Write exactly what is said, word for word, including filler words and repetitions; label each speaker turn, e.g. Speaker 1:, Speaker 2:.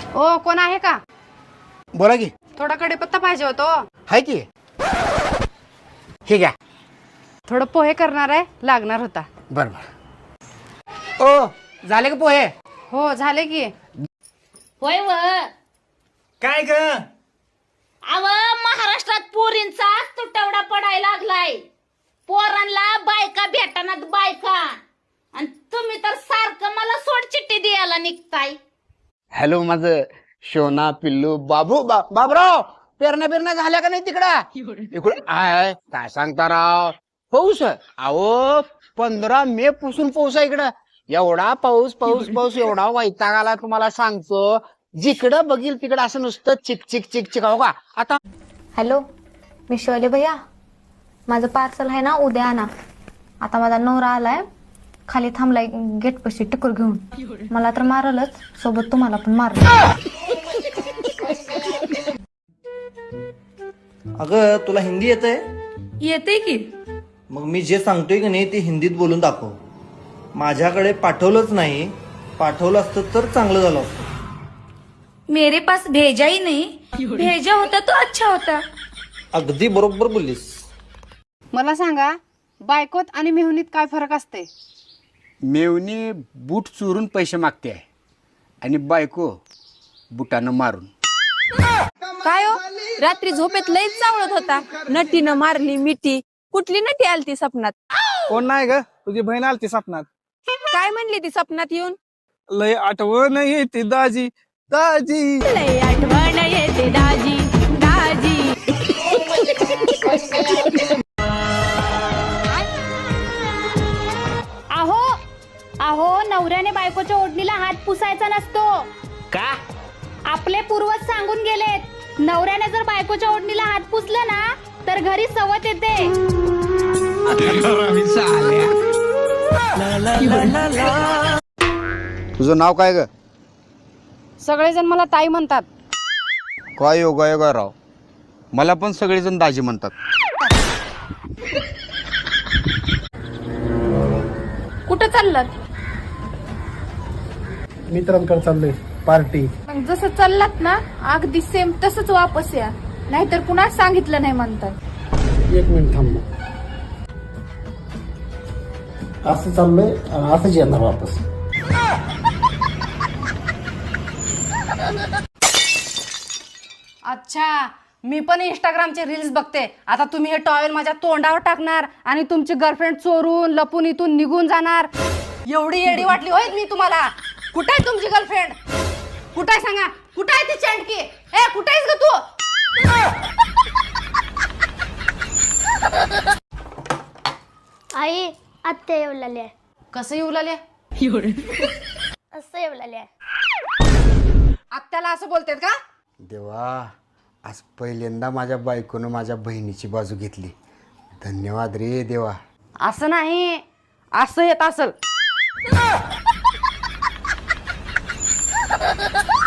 Speaker 1: ओ कोण आहे का?
Speaker 2: बोला की.
Speaker 1: थोडा कढीपत्ता पाहिजे होतो.
Speaker 2: हाय की. हे घ्या.
Speaker 1: थोडं पोहे करणार आहे, लागणार होता.
Speaker 2: बर बर. ओ झाले का पोहे?
Speaker 1: हो झाले की.
Speaker 3: होय व
Speaker 4: काय ग?
Speaker 3: अव महाराष्ट्रात पोरींचा तुटवडा पडायला लागलाय. पोरांना बायका भेटणार बायका, आणि तुम्ही तर सारखं मला सोड चिठ्ठी द्यायला निघताय.
Speaker 2: हॅलो माझं शोना पिल्लू बाबू बा, बाबराव पेरण्या पेरण्या झाल्या का नाही तिकडं? इकडे आय काय सांगता राव. पाऊस अहो पंधरा मे पासून पाऊस आहे इकडं. एवढा पाऊस पाऊस पाऊस एवढा वैताग आला तुम्हाला सांगतो. जिकडं बघील तिकडं असं नुसतं चिक चिक चिक चिक. हो का आता.
Speaker 5: हॅलो मी शोले भैया, माझं पार्सल आहे ना उद्या आणा. आता माझा नवरा आलाय, खाली थांबलाय गेट पशी टक्कर घेऊन. मला तर मारलच, सोबत तुम्हाला पण मारल.
Speaker 4: अगं तुला हिंदी येतंय?
Speaker 6: येते की.
Speaker 4: मग मी जे सांगतोय की नाही ते हिंदीत बोलून दाखव. माझ्याकडे पाठवलंच नाही, पाठवलं असतं तर चांगलं झालं असतं.
Speaker 6: मेरे पास भेजा ही नहीं, भेजा होता तो अच्छा होता.
Speaker 4: अगदी बरोबर बोललीस.
Speaker 1: मला सांगा, बायकोत आणि मेहुनीत काय फरक असते?
Speaker 2: मेवणी बूट चोरून पैसे मागते आहे आणि बायको बुटानं मारून.
Speaker 7: काय हो, रात्री झोपेत लईच चावळत होता. नटीनं मारली मिठी. कुठली नटी आलती सपनात?
Speaker 8: कोण नाही ग, तुझी बहीण आलती सपनात.
Speaker 7: काय म्हणली ती सपनात येऊन?
Speaker 8: लय आठवण येते दाजी दाजी.
Speaker 7: लय आठवण येते दाजी दाजी.
Speaker 3: अहो अहो नवऱ्याने बायकोच्या ओढणीला हात पुसायचा नसतो
Speaker 2: का?
Speaker 3: आपले पूर्वज सांगून गेलेत, नवऱ्याने जर बायकोच्या ओढणीला हात पुसलं ना तर घरी सवत येते.
Speaker 2: तुझं नाव काय ग?
Speaker 1: सगळेजण मला ताई म्हणतात.
Speaker 2: काय योगा योगा राव, मला पण सगळेजण दाजी म्हणतात.
Speaker 6: कुठं चाललात?
Speaker 8: मित्रांकडे चाललोय पार्टी.
Speaker 6: मग जसं चाललात ना अगदी सेम तसंच वापस या, नाहीतर पुन्हा सांगितलं नाही म्हणतात.
Speaker 8: एक मिनिट थांब. असं चाललोय असंच येणार वापस.
Speaker 1: अच्छा, मी पण इंस्टाग्रामचे रील्स बघते. आता तुम्ही हे टॉवेल माझ्या तोंडावर टाकणार आणि तुमची गर्लफ्रेंड चोरून लपून इथून निघून जाणार. एवढी येडी वाटली होय मी तुम्हाला? कुठे आहे तुमची गर्लफ्रेंड? कुठे आहे सांगा? कुठे आहे ती चँटकी? ए कुठे आहेस ग तू?
Speaker 9: आई आत्या येऊ लागल्या.
Speaker 1: कसं येऊ लागले?
Speaker 9: असं येऊ लागल्या.
Speaker 1: आत्याला असं बोलतेत का?
Speaker 2: देवा, आज पहिल्यांदा माझ्या बायकोनं माझ्या बहिणीची बाजू घेतली. धन्यवाद रे देवा.
Speaker 1: असं नाही, असं येत असल.